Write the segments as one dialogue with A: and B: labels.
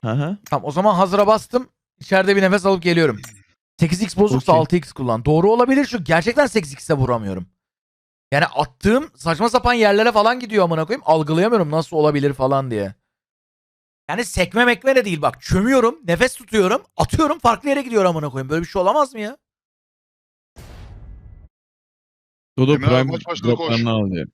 A: Hı.
B: Tamam o zaman hazıra bastım. İçeride bir nefes alıp geliyorum. 8x bozuksa
A: Okey.
B: 6x kullan. Doğru olabilir çünkü gerçekten 8x'e vuramıyorum. Yani attığım saçma sapan yerlere falan gidiyor amına koyayım. Algılayamıyorum nasıl olabilir falan diye. Yani sekme mekme de değil bak. Çömüyorum, nefes tutuyorum, atıyorum farklı yere gidiyor amına koyayım. Böyle bir şey olamaz mı ya?
A: Dodo
C: Emre abi
A: Prime
C: maç başladı, koş.
A: droplarını al diyor.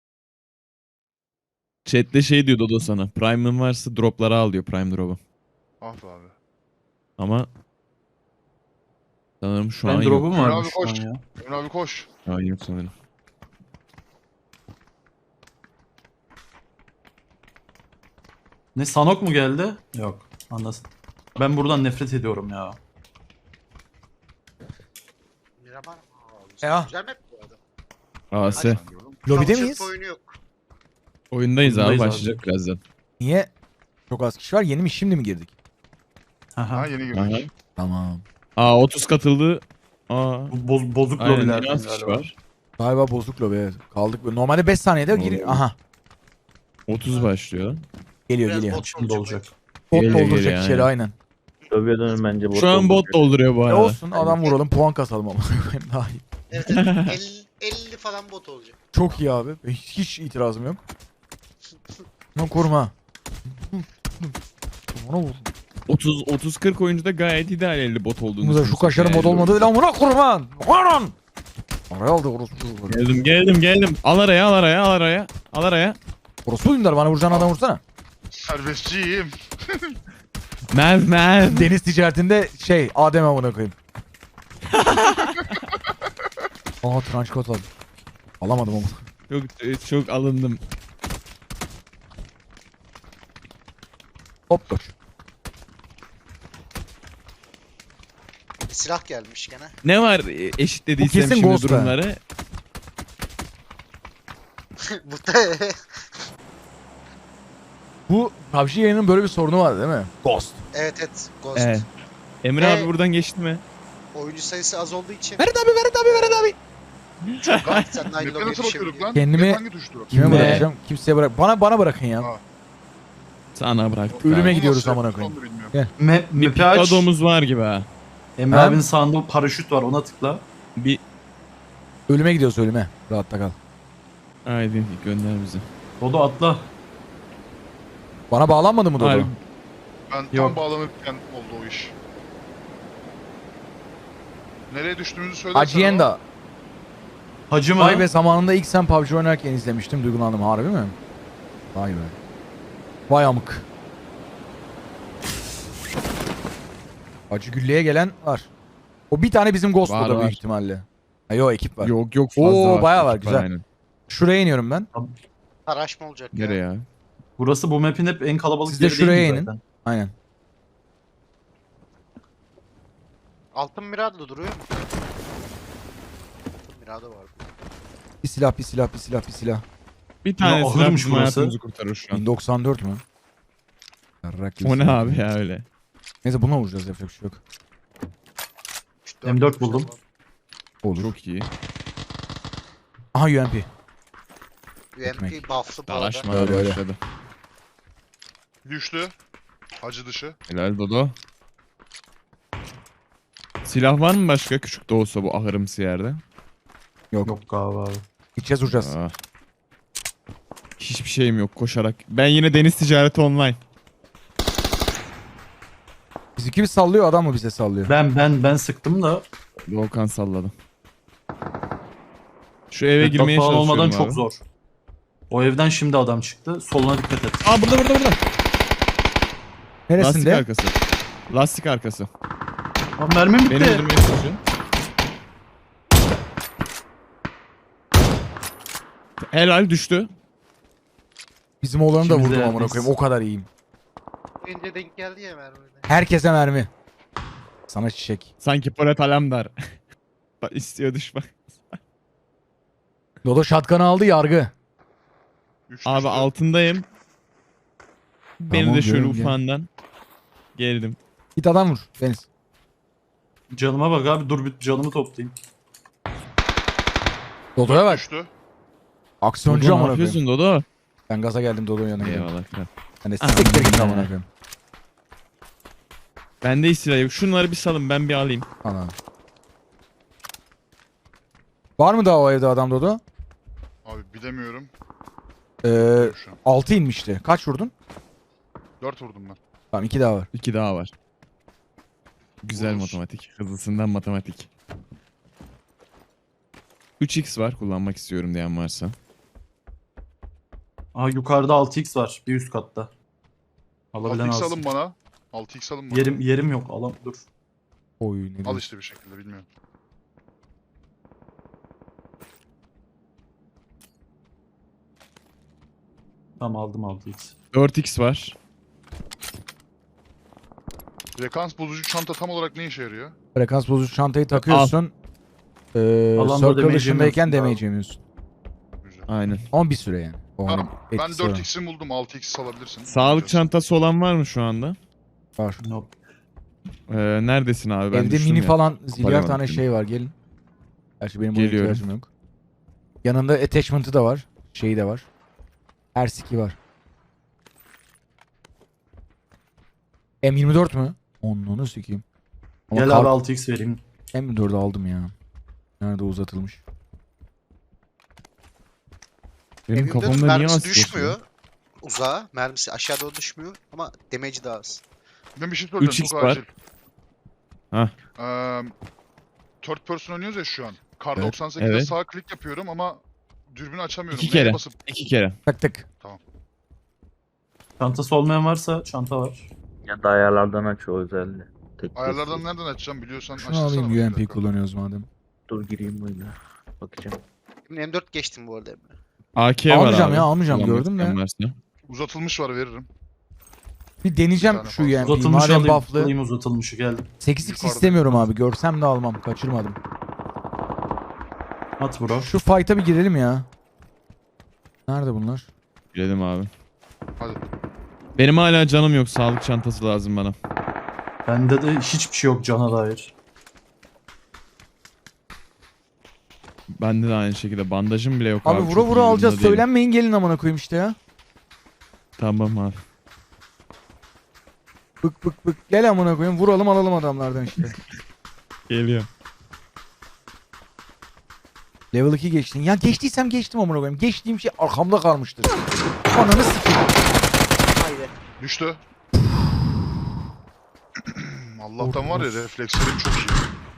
A: Chat'te şey diyor Dodo sana. Prime'ın varsa dropları al diyor, Prime drop'u.
C: Ah be abi.
A: Ama sanırım şu an
D: Ben
A: yok.
D: drop'um
C: Emre abi
D: varmış şu an
C: koş.
D: ya.
C: Emre abi koş.
A: Şu an yok sanırım.
D: Ne, Sanok mu geldi? Yok. Anlasın. Ben buradan nefret ediyorum ya.
E: Miramar.
B: Ya.
E: Güzel map bu arada.
A: AS.
B: Lobide
E: Çalışıp
B: miyiz?
E: oyunu yok.
A: Oyundayız abi,
D: Oyundayız abi.
A: başlayacak birazdan.
B: Niye? Çok az kişi var. Yeni mi şimdi mi girdik?
D: Aha.
C: Ha yeni
A: Aha.
C: girdik.
B: Tamam.
A: 30 katıldı.
D: Bozuk
A: Aynen,
D: lobilerden
A: yeni az kişi
D: galiba.
A: var.
B: Galiba bozuk lobi. Evet. Kaldık. Normalde 5 saniyede gir.
A: Doğru.
B: Aha.
A: 30 başlıyor.
B: Geliyor
E: Biraz
B: geliyor.
E: bot
D: Şimdi olacak.
B: Bot
A: Geliyor,
B: dolduracak
A: geliyor,
B: içeri
A: aynen.
B: aynen.
F: Lobiye dönün bence.
A: Şu an bot dolduruyor bu arada.
B: Olsun adam vuralım puan kasalım ama. Daha iyi.
E: Evet evet. 50 falan bot olacak.
B: Çok iyi abi. Hiç itirazım yok. Lan koruma. Ona vur.
A: 30-40 oyuncuda gayet ideal 50 bot olduğunu
B: Burada şu
A: düşünürsek
B: kaşarın
A: yani.
B: mod olmadı. Lan buna kurban. Varın. Araya aldı orospu.
A: Geldim. Al araya.
B: Orospu dindar bana vuracağın adam vursana.
C: Serbestçiyim.
A: Merv.
B: Deniz ticaretinde Adem amına koyayım. Aa tranç kot aldım. Alamadım ama.
A: Çok alındım.
B: Hop koş.
E: Silah gelmiş gene.
A: Ne var
B: Bu
A: eşitlediysem
B: kesin
A: şimdi
B: Ghost be.
A: durumları?
E: Bu da
B: Bu PUBG yayının böyle bir sorunu var değil mi? Ghost.
E: evet evet. Ghost.
A: Evet. Emre abi buradan geçti mi?
E: Oyuncu sayısı az olduğu için.
B: Verin abi.
E: Sen de aynı
C: Map'e
E: lobiye
C: nasıl bakıyorduk
E: düşebiliyorsun.
C: lan?
B: Kendimi-
C: Map hangi tuştu?
B: Kime
A: Ne?
B: bırakacağım? Kimseye bırak. Bana bırakın ya.
C: Ha.
A: Sana bıraktık
B: Ölüme
A: abi.
B: gidiyoruz
C: Nasıl
B: amına
C: yaptık
B: koyayım.
C: onu da bilmiyorum.
D: Map'i aç.
A: Adomuz var gibi ha.
D: Emre
B: Ha?
D: abinin sağında paraşüt var, ona tıkla.
A: Bir
B: Ölüme gidiyoruz ölüme. Rahatta kal.
A: haydi gönder bizi.
D: Dodo atla.
B: Bana bağlanmadı mı Dodo?
A: Harbi.
C: Ben tam
D: Yok.
C: bağlanırken oldu o iş. Nereye düştüğümüzü söylersen.
B: Hacienda.
D: Hacı mı?
B: Vay be zamanında ilk sen PUBG oynarken izlemiştim. Duygulandım. Harbi mi? Vay be. Vay amık. Acı gülleye gelen var. O bir tane bizim Ghost
A: Var,
B: Dodo büyük
A: var.
B: ihtimalle. Ha, yo ekip var.
A: Yok fazla
B: Oo,
A: var.
B: bayağı var,
A: Ekip
B: güzel.
A: aynen.
B: Şuraya iniyorum ben.
E: Araşma olacak ya.
A: Nereye ya?
D: Burası bu map'in hep en kalabalık
B: Siz de
D: yeri
B: şuraya
D: değil mi
B: inin.
D: zaten?
B: Aynen.
E: Altın Mirado duruyor mu? Altın Mirado var.
B: Bir silah.
A: Bir tane silah
D: ahırmış
A: bizim
D: burası.
A: hayatımızı kurtarır şu an.
B: 1094 mü? Yarrak gibi
A: O ne
B: silah.
A: abi ya öyle?
B: Neyse buna vuracağız yapacak bir şey yok.
D: M4 buldum.
B: Olur.
A: Çok iyi.
B: Aha UMP.
E: UMP buff'lı bu arada.
A: Dalaşma
B: Öyle.
A: başladı.
C: Düştü. Hacı dışı.
A: Helal Dodo. Silah var mı başka küçük de olsa bu ahırımsı yerde?
B: Yok.
D: Yok galiba abi.
B: Gideceğiz vuracağız.
A: Aa. Hiçbir şeyim yok koşarak. Ben yine deniz ticareti online.
B: Bizimki bir sallıyor adam mı bize sallıyor?
D: Ben sıktım da
A: Volkan salladı. Şu eve
D: laptop
A: girmeye
D: falan
A: çalışıyorum
D: olmadan
A: abi.
D: çok zor. O evden şimdi adam çıktı. Soluna dikkat et.
A: Aa burada. Lastik
B: Neresinde?
A: arkası. Lastik arkası.
D: Abi mermim bitti.
A: Beni öldürmeye çalışıyor. Helal düştü.
B: Bizim oğlanı da
D: İkimiz de
B: vurdum amına
D: yerdeyiz.
B: koyayım. O kadar iyiyim.
E: Önce denk geldi ya mermide.
B: Herkese mermi. Sana çiçek.
A: Sanki Polat Alemdar. Bak istiyor düşman.
B: Dodo şatkanı aldı yargı.
C: Üç
A: Abi
C: düştü.
A: altındayım. Beni
B: Tamam,
A: de şöyle
B: diyorum ya.
A: ufağından geldim.
B: Git adam vur Deniz.
D: Canıma bak abi, dur bir canımı toplayayım.
B: Dodo'ya bak.
C: Düştü.
B: Aksiyoncu
A: Dodo ne
B: amına koyayım.
A: yapıyorsun Dodo?
B: Ben gaza geldim Dodo'nun yanına gidiyorum.
A: Eyvallah kral.
B: Hani siktir git amına koyayım.
A: Bende silah yok. Şunları bir salın ben bir alayım.
B: Anladım. Var mı daha o evde adam Dodo?
C: Abi bilemiyorum. Şu an.
B: 6 inmişti. Kaç vurdun?
C: 4 vurdum ben.
B: Tamam 2 daha var.
A: 2 daha var. Güzel
C: Vururuz.
A: matematik. Hızlısından matematik. 3x var kullanmak istiyorum diyen varsa.
D: Aa yukarıda 6x var. Bir üst katta. Alabilen
C: 6x
D: alsın.
C: alın bana. 6x alın bana.
D: Yerim yok. Dur.
B: Oy ne
C: Al
B: diyorsun?
C: işte bir şekilde bilmiyorum.
D: Tamam aldım 6x.
A: 4x var.
C: Frekans bozucu çanta tam olarak ne işe yarıyor?
B: Frekans bozucu çantayı takıyorsun.
D: Alanda
B: Circle
D: damage
B: dışındayken
D: yemiyorsun
B: damage yemiyorsun.
C: Güzel.
A: Aynen.
B: Ama bir süre yani. O
C: Tamam.
B: hani
C: Ben
B: etkisi var.
C: 4x'ini buldum. 6x salabilirsin.
A: Sağlık
C: Bakacağız.
A: çantası olan var mı şu anda?
B: Var.
D: Nope.
A: Neredesin abi? Ben
B: Evde
A: düştüm
B: mini
A: ya.
B: falan zilyar
A: Toparlayamadım
B: tane
A: seni.
B: şey var gelin. Gerçi benim buna
A: Geliyorum.
B: ihtiyacım yok. Yanında attachment'ı da var. Şeyi de var. Her siki var. M24 mü? Onu sikeyim. Ama
D: Gel abi 6x vereyim.
B: M24'ü aldım ya. Nerede uzatılmış?
A: Benim
E: Evimde
A: kafamda niye
E: mermisi
A: asıyorsun?
E: düşmüyor. Uzağa. Mermisi aşağı doğru düşmüyor. Ama damage'i daha az.
C: Ben bir şey söyleyeceğim.
A: 3x
C: Çok
A: var.
C: acil.
A: Hah.
C: Third person oynuyoruz ya şu an. Kar
A: Evet,
C: 98'de
A: evet.
C: sağ klik yapıyorum ama dürbünü açamıyorum.
A: 2
C: Neye
A: kere.
C: basıp
A: 2 kere.
B: Tık tık.
D: Çantası olmayan varsa çanta var.
F: Ya da ayarlardan aç o özelliği. Tek
C: ayarlardan
F: desteği.
C: nereden açacağım biliyorsan
B: Şunu
C: açtırsana
B: alayım
C: bakayım
B: UMP
C: dakika.
B: kullanıyoruz madem.
F: Dur gireyim oyuna. Bakacağım.
E: Şimdi M4 geçtim bu arada Emre.
A: AK var
B: Almayacağım
A: abi.
B: ya, almayacağım,
A: Kullanmak
B: gördüm de.
A: isteyen varsa.
C: Uzatılmış var veririm.
B: Bir deneyeceğim
C: Bir tane
B: şu
C: fazla.
B: UMP'yi.
D: Uzatılmış
B: Madem
D: alayım.
B: buff'lı.
D: Alayım uzatılmışı geldim.
B: 8x
C: Yukarıda.
B: istemiyorum abi. Görsem de almam. Kaçırmadım.
D: At bro.
B: Şu fight'a bir girelim ya. Nerede bunlar?
A: Girelim abi.
C: Hadi.
A: Benim hala canım yok. Sağlık çantası lazım bana.
D: Bende de hiçbir şey yok cana dair.
A: Bende de aynı şekilde. Bandajım bile yok
B: Abi
A: abi.
B: vura
A: çok
B: vura
A: iyi
B: alacağız.
A: durumda değilim.
B: Söylenmeyin gelin amına koyayım işte ya.
A: Tamam abi.
B: Bık bık bık. Gel amına koyayım. Vuralım alalım adamlardan işte.
A: Geliyor.
B: Level 2 geçtin. Ya geçtiysem geçtim amına koyayım. Geçtiğim şey arkamda kalmıştır. Ananı sikeyim.
E: Haydi.
C: Düştü. Allah'tan var ya reflekslerim çok iyi.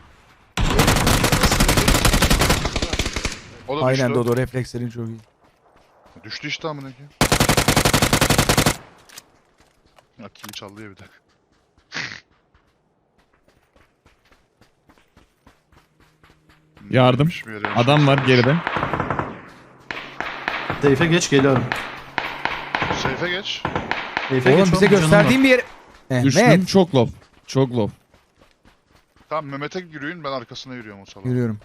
C: O da
B: Aynen
C: düştü.
B: Dodo reflekslerin çok iyi.
C: Düştü işte amına koyayım. Ya kili çaldı ya bir de.
A: Yardım.
C: Neymiş bir yere yaşıyor.
A: Adam var geride.
D: Seyfe geç geliyorum.
C: Seyfe geç.
D: Seyfe
B: Oğlum
D: geç
B: bize
D: oğlum,
B: gösterdiğin bir yer.
A: Düştüm.
B: Mehmet.
A: Çok low. Çok low.
C: Tamam Mehmet'e yürüyün ben arkasına yürüyorum o salak.
B: Yürüyorum.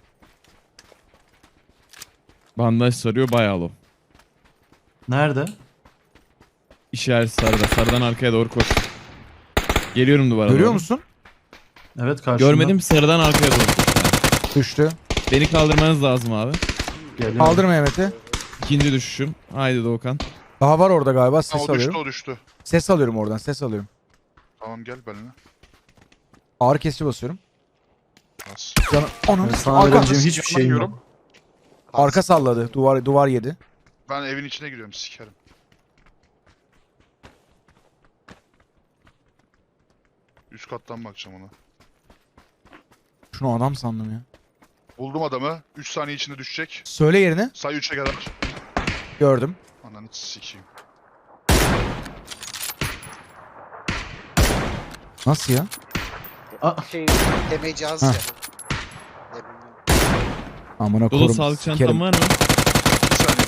A: Bandaj sarıyor bayağı low.
D: Nerede?
A: İşaret sarıda. Sarıdan arkaya doğru koş. Geliyorum duvara
B: Görüyor
A: doğru.
B: musun?
D: Evet karşımda.
A: Görmedim sarıdan arkaya doğru koş.
B: Düştü.
A: Beni kaldırmanız lazım abi.
D: Geliyorum.
B: Kaldır Mehmet'i.
A: İkinci düşüşüm. Haydi Doğukan.
B: Daha var orada galiba.
C: Ha,
B: Ses
C: o düştü
B: alıyorum.
C: o düştü.
B: Ses alıyorum oradan. Ses alıyorum.
C: Tamam gel benimle.
B: Ağrı kesici basıyorum.
C: Bas.
B: Canı. Ananı
D: Ben
B: sikeyim.
D: sana
B: Arka,
D: vereceğim hiçbir şeyim
C: Yanıyorum.
D: yok.
B: arka salladı. Duvar yedi.
C: Ben evin içine giriyorum sikerim. Üst kattan bakacağım ona.
B: Şunu adam sandım ya.
C: Buldum adamı. 3 saniye içinde düşecek.
B: Söyle yerini.
C: Say 3'e kadar.
B: Gördüm.
C: Ananı sikeyim.
B: Nasıl ya?
E: Şey damage'i az
B: Heh.
E: ya. Ne bileyim.
B: Amına
A: Dodo
B: korum.
A: sağlık
B: sikerim.
A: çantam var mı?
C: 1 saniye.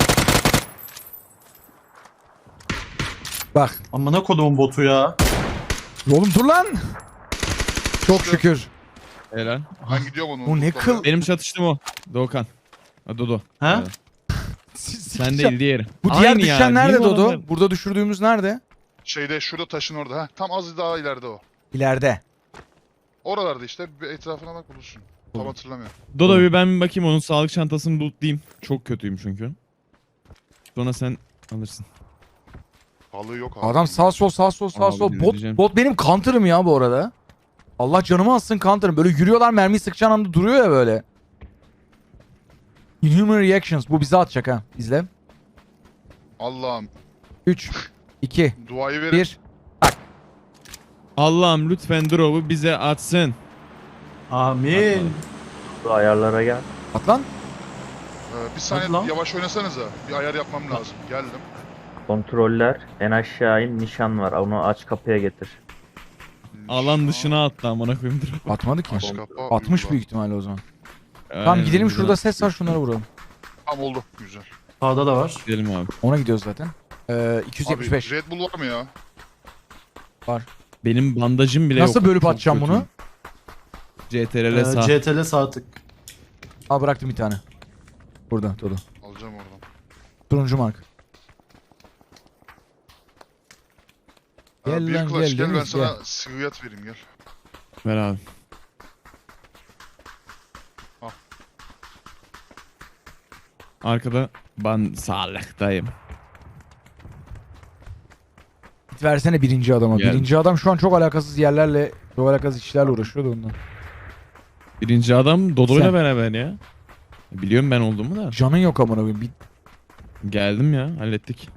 B: Bak.
D: Amına kodumun botu ya.
B: Oğlum dur lan. Çok şükür.
A: Helal.
C: Ben gidiyorum onu.
B: Bu ne
C: unutmam
B: kıl-
A: Benim çatıştım o. Doğukan. Ha Dodo.
D: Ha?
A: Evet. Sen değil diğeri.
B: Bu diğer
A: Aynı ya,
B: düşen nerede
A: niye bu
B: Dodo?
A: adamlar-
B: Burada düşürdüğümüz nerede?
C: ya. Şeyde şurada taşın orada. Heh, tam az daha ileride o.
B: İleride.
C: Oralarda işte bir etrafına bak bulursun. Tam
B: Olur.
C: hatırlamıyorum.
A: Dodo bir ben bir bakayım onun sağlık çantasını lootlayayım. Çok kötüyüm çünkü. Sonra sen alırsın.
C: Balığı yok abi.
B: Adam sağ sol sağ sol sağ
A: Abi
B: sol.
A: ne
B: Bot,
A: diyeceğim?
B: bot benim counter'ım ya bu arada. Allah canımı alsın counter'ım. Böyle yürüyorlar, mermiyi sıkacağın anda duruyor ya böyle. Inhuman reactions. Bu bize atacak ha. İzle.
C: Allah'ım
B: 3, 2,
C: duayı verin.
B: 1.
A: Allah'ım lütfen drop'u bize atsın.
D: Amin.
F: Şu ayarlara gel.
B: At lan.
C: Bir saniye
D: Hadi lan.
C: yavaş oynasanıza. Bir ayar yapmam lazım. Geldim.
F: Kontroller. En aşağı in. Nişan var. Onu aç kapıya getir.
A: Alan dışına attı amına koyayım drop.
B: Atmadı ki.
C: Aç kapa,
B: 60
C: uygula.
B: büyük ihtimalle o zaman. Tamam gidelim, şurada ses var, şunlara vuralım.
C: Tamam oldu. Güzel.
D: Sağda da var.
A: Gidelim abi.
B: Ona gidiyoruz zaten. 275.
C: Abi Red Bull var mı ya?
A: Benim bandajım bile yok.
B: Nasıl bölüp
A: Çok
B: atacağım
A: kötüyüm.
B: bunu?
A: CTRL sağ.
D: CTRL sağ tık.
B: Al, bıraktım bir tane. Burada Dodo.
C: Alacağım oradan.
B: Turuncu mark. Gel
C: Bir
B: lan,
C: clutch
B: gel,
C: gel ben
B: Deniz,
C: sana
B: gel.
C: sıvıyat vereyim gel.
A: Ver abi.
C: Al.
A: Arkada ben sağlıktayım.
B: Git versene birinci adama.
A: Gel.
B: Birinci adam şu an çok alakasız yerlerle, çok alakasız işlerle uğraşıyor da ondan.
A: Birinci adam Dodo'yla
B: Sen.
A: beraber ya. Biliyorum ben olduğumu da.
B: Canın yok amına koyayım.
A: Geldim ya, hallettik.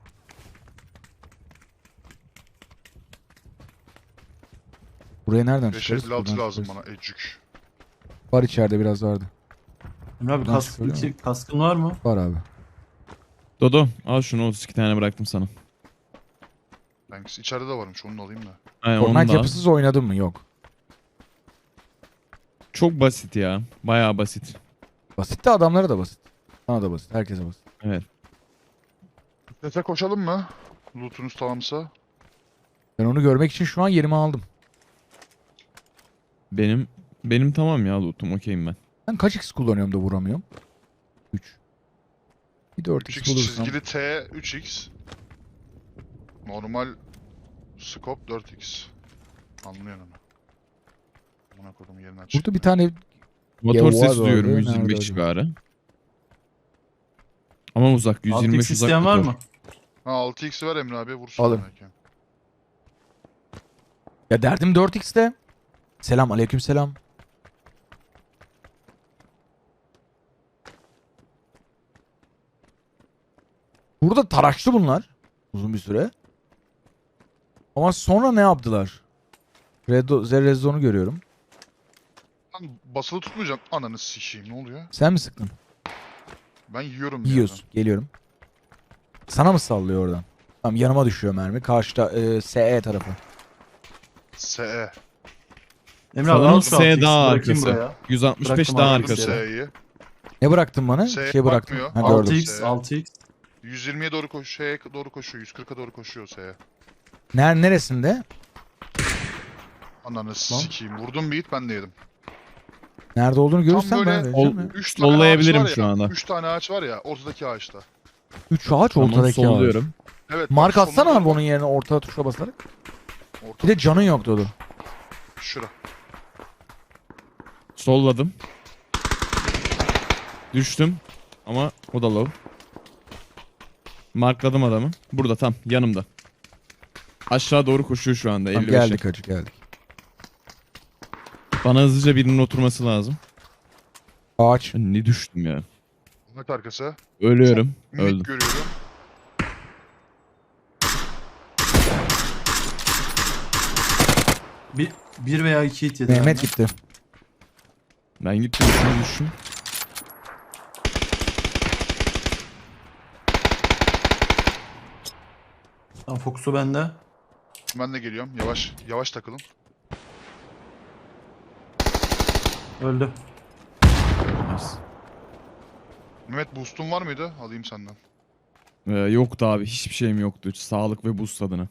B: Buraya nereden çıkarız?
C: 556
B: Buradan
C: lazım
B: çıkarız.
C: bana ecük.
B: Var, içeride biraz vardı.
D: Emre abi
B: Buradan çıkıyor değil mi?
D: kaskın var mı?
B: Var abi.
A: Dodo al şunu, 32 tane bıraktım sana.
C: Thanks. İçeride de varmış onu da alayım da.
A: Aynen onu
B: Fortnite
A: da al.
B: yapısız oynadın mı? Yok.
A: Çok basit ya. Bayağı basit.
B: Basit de adamlara da basit. Sana da basit. Herkese basit.
A: Evet.
C: Sese koşalım mı? Lootunuz tamamsa.
B: Ben onu görmek için şu an yerimi aldım.
A: Benim tamam ya lootum, okeyim ben.
B: Ben kaç x kullanıyorum da vuramıyorum? 3. Bir 4x
C: 3x
B: bulursam.
C: çizgili T 3x. Normal scope 4x. Anlıyorsun onu. Buna koydum yerini aç.
B: Burada bir tane
A: Motor
B: var
A: sesi
B: orada,
A: duyuyorum
B: nerede
A: 125
B: acaba?
A: civarı. Ama uzak,
D: 6x
A: 125 uzak.
D: isteyen var
A: motor.
D: mı?
C: Ha 6x ver Emre abi vursun.
B: Alın.
C: belki.
B: ya derdim 4x'te. Selam, aleyküm selam. Burada taraştı bunlar uzun bir süre. Ama sonra ne yaptılar? Red Zone'u görüyorum.
C: Lan basılı tutmayacağım. Ananı sikeyim ne oluyor?
B: Sen mi sıktın?
C: Ben yiyorum bir
B: Yiyorsun. Geliyorum. Sana mı sallıyor oradan? Tamam, yanıma düşüyor mermi. Karşıda SE tarafı.
C: yerden. SE.
D: Emre abi
A: Sanırım
D: al şu
A: S
D: 6x'i
A: daha
D: bırakayım
A: arkası.
D: buraya.
A: 165
D: Bıraktım
A: daha
D: abi,
A: arkası.
C: S'yi.
B: Ne bıraktın bana?
C: S'ye
B: Şey bıraktım.
C: bakmıyor.
B: Ha, gördüm.
D: 6x 6x.
C: 120'ye doğru koşuyor, S'ye doğru koşuyor, 140'a doğru koşuyor S'ye.
B: Neresinde?
C: Ananı sikeyim. Vurdum bir hit ben de yedim.
B: Nerede olduğunu görürsen
C: böyle
B: ben vereceğim ya.
C: 3 tane
A: Sollayabilirim
C: ağaç var
A: şu
C: ya,
A: anda.
C: 3 tane ağaç var ya ortadaki ağaçta.
B: 3 ağaç
A: Tamam,
B: ortadaki ağaç.
A: solluyorum.
C: Evet.
B: Mark
C: bak,
B: atsana
C: sonunda-
B: abi onun yerine orta tuşa basarak.
C: Orta,
B: Bir de canın yok Dodo.
C: şura.
A: Solladım. Düştüm. Ama o da low. Markladım adamı. Burada tam yanımda. Aşağı doğru koşuyor şu anda.
B: Tamam,
A: 55'e.
B: geldik hacı geldik.
A: Bana hızlıca birinin oturması lazım.
B: Ağaç.
A: Ben ne düştüm ya.
C: Ahmet arkası.
A: Ölüyorum.
C: Minik
A: Öldüm.
C: görüyorum.
D: Bir veya 2 hit yedi.
B: Mehmet
D: benden.
B: gitti.
A: Ben gittim şunu düştüm.
D: Tamam fokusu bende.
C: Ben de geliyorum. Yavaş yavaş takılın.
D: Öldü.
A: Nice.
C: Mehmet boost'un var mıydı? Alayım senden.
A: Yoktu abi. Hiçbir şeyim yoktu. Sağlık ve boost adına.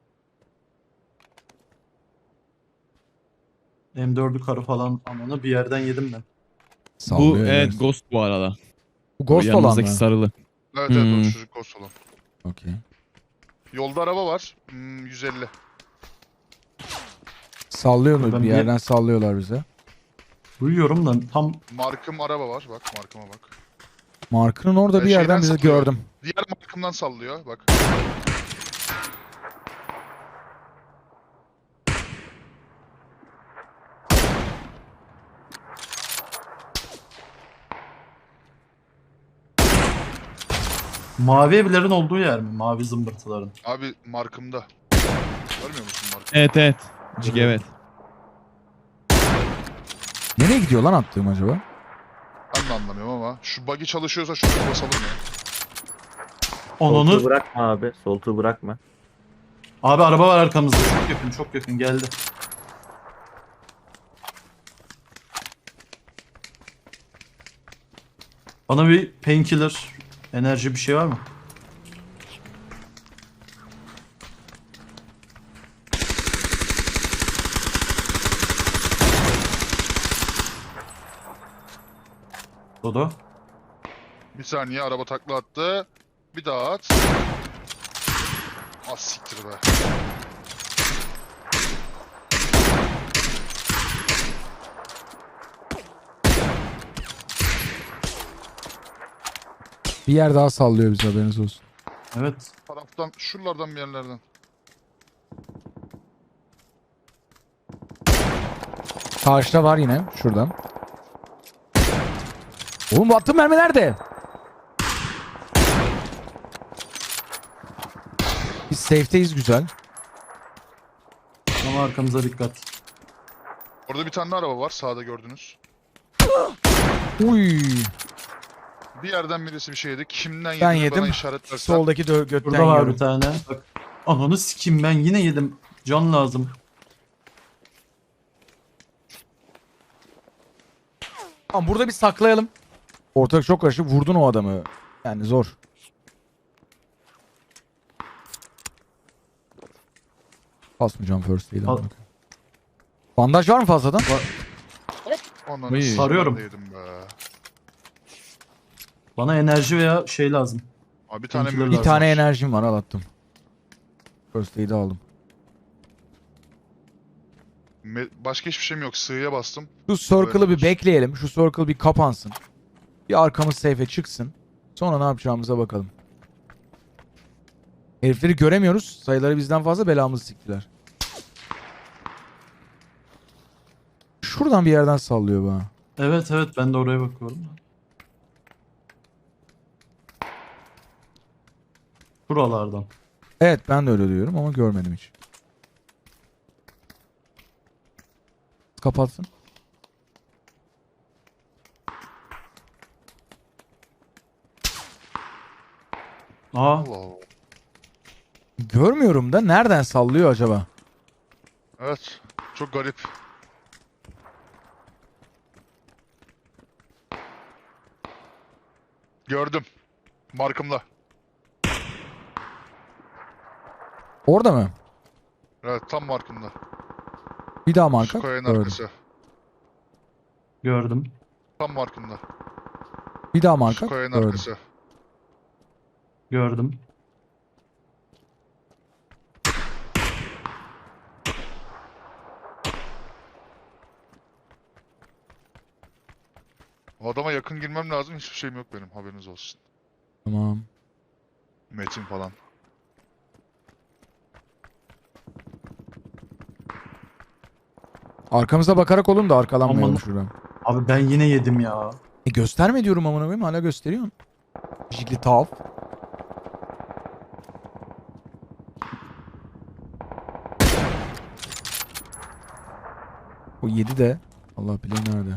D: M4'ü karı falan ananı bir yerden yedim ben.
A: Bu
B: Sallıyor
A: evet
B: yani.
A: Ghost bu arada.
B: Bu Ghost olan
A: Yanımızdaki
B: mı?
A: sarılı.
C: Evet evet
A: Hmm.
C: o çocuk ghost olan.
B: Okey.
C: Yolda araba var. 150.
B: Sallıyorlar,
D: Ben
B: bir
D: bir-
B: yerden sallıyorlar bize.
D: Duyuyorum da tam
C: Markım araba var. Bak markıma bak.
B: Markının orada bir
C: Şeyden
B: yerden bizi
C: sallıyor.
B: gördüm.
C: Diğer markımdan sallıyor. Bak.
D: Mavi evlerin olduğu yer mi? Mavi zımbırtıların.
C: Abi markımda. Görmüyor musun markımı?
A: Evet evet. Cik evet.
B: Nereye gidiyor lan attığım acaba?
C: Ben de anlamıyorum ama. Şu buggy çalışıyorsa şunu basalım ya.
D: Onunu.
F: Soltuğu bırakma abi. Soltuğu bırakma.
D: Abi araba var arkamızda. Çok yakın, çok yakın geldi. Bana bir painkiller, enerji bir şey var mı? Dodo.
C: Bir saniye araba takla attı. Bir daha at. Az siktir be.
B: Bir yer daha sallıyor bize, haberiniz olsun.
D: Evet.
C: Taraftan şuralardan bir yerlerden.
B: Karşıda var yine şuradan. Oğlum bu attığım mermi nerede? Biz safe'teyiz, güzel.
D: Ama arkamıza dikkat.
C: Orada bir tane araba var sağda gördünüz.
B: Uy.
C: Bir yerden birisi bir şey yedi. Kimden
B: Ben
C: yediğini
B: yedim.
C: bana işaret versen.
B: Soldaki götten
D: Burada var
B: yiyorum.
D: bir tane. Bak. Ananı sikeyim ben yine yedim. Can lazım.
B: Tamam, burada bir saklayalım. Ortalık çok karışık. Vurdun o adamı. Yani zor. Basmayacağım first aid'i.
D: Al.
B: Bandaj var mı fazladan?
C: Ondan
A: Uy.
D: Sarıyorum.
C: yedim be.
D: Bana enerji veya şey lazım.
C: Abi bir tane
D: Painkiller
C: mühür
B: Bir
D: lazım.
B: tane enerjim var, al attım. First aid'i aldım.
C: Başka hiçbir şeyim yok. Sığıya bastım.
B: Şu circle'ı bir
C: olsun.
B: bekleyelim. Şu circle bir kapansın. Bir arkamız safe'e çıksın. Sonra ne yapacağımıza bakalım. Herifleri göremiyoruz. Sayıları bizden fazla, belamızı siktiler. Şuradan bir yerden sallıyor bana.
D: Evet evet ben de oraya bakıyorum. Buralardan.
B: Evet, ben de öyle diyorum ama görmedim hiç. Kapatsın.
D: Aa
C: Allah Allah.
B: Görmüyorum da nereden sallıyor acaba?
C: Evet. Çok garip. Gördüm. Markımla.
B: Orada mı?
C: Evet tam markımda.
B: Bir daha marka.
C: Şu kayanın
B: Gördüm.
C: arkası.
D: gördüm.
C: Tam markımda.
B: Bir daha marka.
C: Şu kayanın
B: Gördüm.
C: arkası.
D: Gördüm.
C: O adama yakın girmem lazım. Hiçbir şeyim yok benim. Haberiniz olsun.
B: Tamam.
C: Metin falan.
B: Arkamıza bakarak olun da arkalanmayalım
D: Aman.
B: şuradan.
D: Abi ben yine yedim ya.
B: Gösterme diyorum amına koyayım, hala gösteriyorsun. Jigli tav. O 7 de. Allah bilir nerede.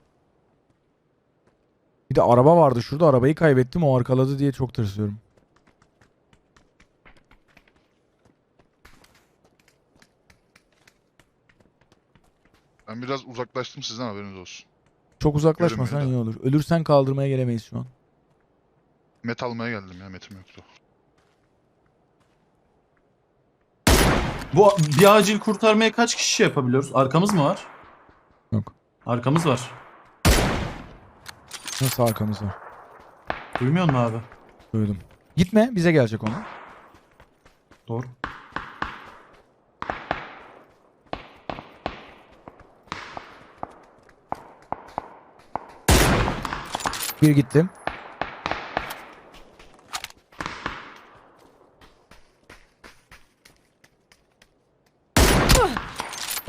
B: Bir de araba vardı şurada, arabayı kaybettim, o arkaladı diye çok tırsıyorum.
C: Ben biraz uzaklaştım sizden, haberiniz olsun.
B: Çok uzaklaşmasan iyi
C: Görünmüyor
B: olur. Ölürsen kaldırmaya gelemeyiz şu an.
C: Met almaya geldim ya. Metim yoktu.
D: Bu bir acil kurtarmaya kaç kişi şey yapabiliyoruz? Arkamız mı var?
B: Yok.
D: Arkamız var.
B: Nasıl arkamız var?
D: Duymuyor musun abi?
B: Duydum. Gitme, bize gelecek onu.
D: Doğru.
B: Bir gittim.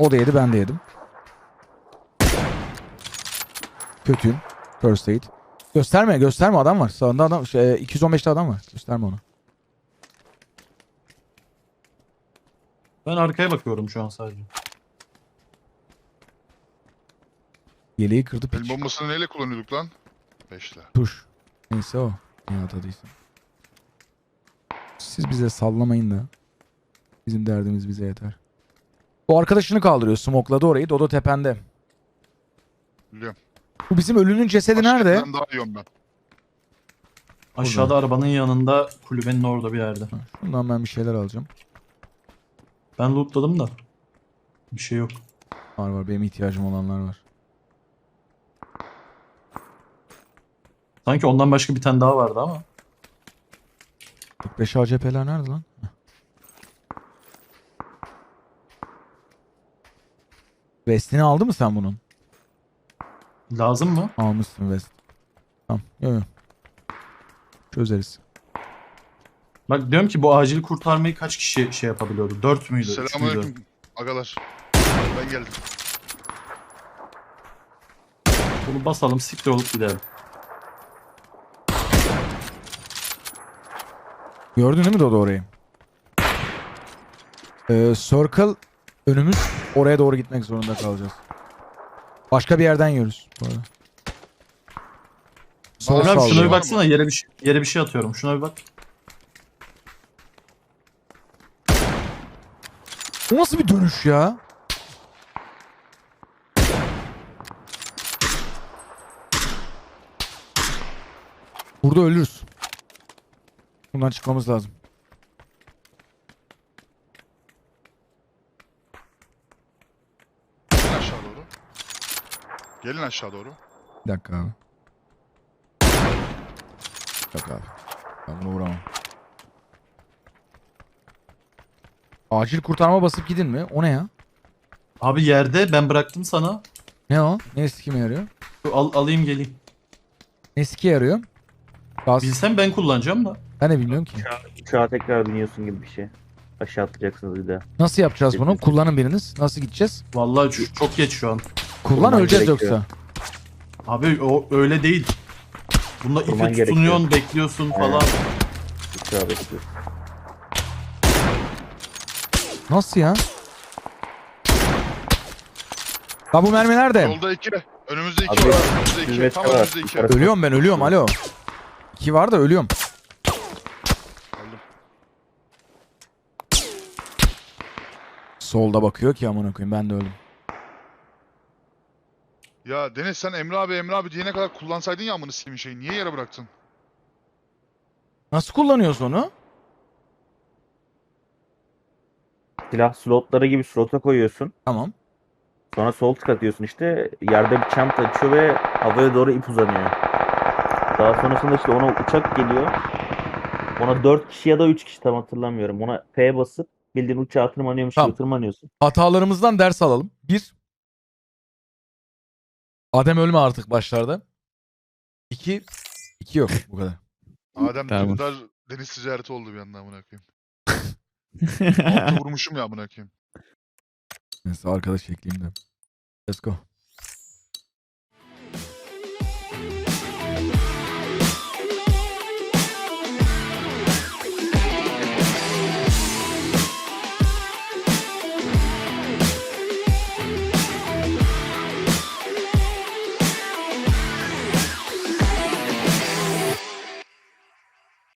B: O da yedi, ben de yedim. Kötüyüm. First aid. Gösterme adam var. Sağında adam 215'te adam var. Gösterme onu.
D: Ben arkaya bakıyorum şu an sadece.
B: Yeleği kırdı
C: El
B: piç.
C: bombasını neyle kullanıyorduk lan? 5'le.
B: Tuş. Neyse o. Ne atadıysa. Siz bize sallamayın da. Bizim derdimiz bize yeter. O arkadaşını kaldırıyor. Smokladı orayı. Dodo tepende.
C: Biliyorum.
B: Bu bizim ölünün cesedi nerede?
C: Ben daha yiyorum ben.
D: Aşağıda arabanın yanında kulübenin orada bir yerde.
B: Ha, şundan ben bir şeyler alacağım.
D: Ben lootladım da. Bir şey yok.
B: Var benim ihtiyacım olanlar var.
D: Sanki ondan başka bir tane daha vardı ama.
B: 45 ACP'ler nerede lan? Heh. Vestini aldı mı sen bunun?
D: Lazım mı?
B: Almışsın vest. Tamam. Yok. Çözeriz.
D: Bak diyorum ki bu acil kurtarmayı kaç kişi şey yapabiliyordu? 4 müydü? 3 müydü?
C: Selamünaleyküm agalar. Ben geldim.
D: Bunu basalım siktir olup gidelim.
B: Gördün değil mi Dodo orayı? Circle önümüz. Oraya doğru gitmek zorunda kalacağız. Başka bir yerden yiyoruz. Bu arada. Sol
C: Bana
D: Emre abi şuna
B: sallıyor.
D: bir baksana yere bir şey atıyorum. Şuna bir bak.
B: Bu nasıl bir dönüş ya? Burada ölürüz. Bundan çıkmamız lazım.
C: Gelin aşağı doğru. Gelin aşağı doğru.
B: Bir dakika abi. Yok abi. Ben bunu vuramam. Acil kurtarma basıp gidin mi? O ne ya?
D: Abi yerde ben bıraktım sana.
B: Ne o? Ne sikime yarıyor?
D: Alayım geleyim.
B: Ne sike yarıyor? Gaz.
D: Bilsem ben kullanacağım da.
B: Ben de bilmiyorum ki.
F: Uçağa tekrar biniyorsun gibi bir şey. Aşağı atlayacaksınız bir daha.
B: Nasıl yapacağız bunu? Kullanın biriniz. Nasıl gideceğiz?
D: Vallahi çok geç şu an.
B: Kullan
F: Kurman
B: öleceğiz
F: gerekiyor.
B: yoksa.
D: Abi o öyle değil. Bunda
F: Kurman
D: ipi
F: gerekiyor.
D: tutunuyorsun, bekliyorsun falan.
F: Uçağa bekliyorsun.
B: Nasıl ya? Ya bu mermi nerede?
C: Yolda 2. Önümüzde 2
F: Abi,
C: var. Önümüzde 2.
F: hizmet
C: Tam
F: var.
C: önümüzde 2.
F: Yukarı-
B: Ölüyorum ben ölüyorum alo. 2 var da ölüyorum.
C: Aldım.
B: Solda bakıyor ki amına koyayım ben de öldüm.
C: Ya Deniz sen Emre abi diyene kadar kullansaydın ya amını sikeyim şeyi. Niye yere bıraktın?
B: Nasıl kullanıyorsun onu?
F: Silah slotları gibi slota koyuyorsun.
B: Tamam.
F: Sonra sol tık atıyorsun işte. Yerde bir çanta açıyor ve havaya doğru ip uzanıyor. Daha sonrasında işte ona uçak geliyor. Ona 4 kişi ya da 3 kişi tam hatırlamıyorum. Ona P basıp bildiğin uçağa tırmanıyormuş
B: Tamam.
F: gibi tırmanıyorsun.
B: Hatalarımızdan ders alalım. 1. Adem ölme artık başlarda. 2. 2 yok bu kadar.
C: Adem
A: Tamam.
C: Dündar deniz ticareti oldu bir anda amına koyayım. Altı vurmuşum ya amına koyayım.
B: Neyse arkadaş ekleyeyim de. Let's go.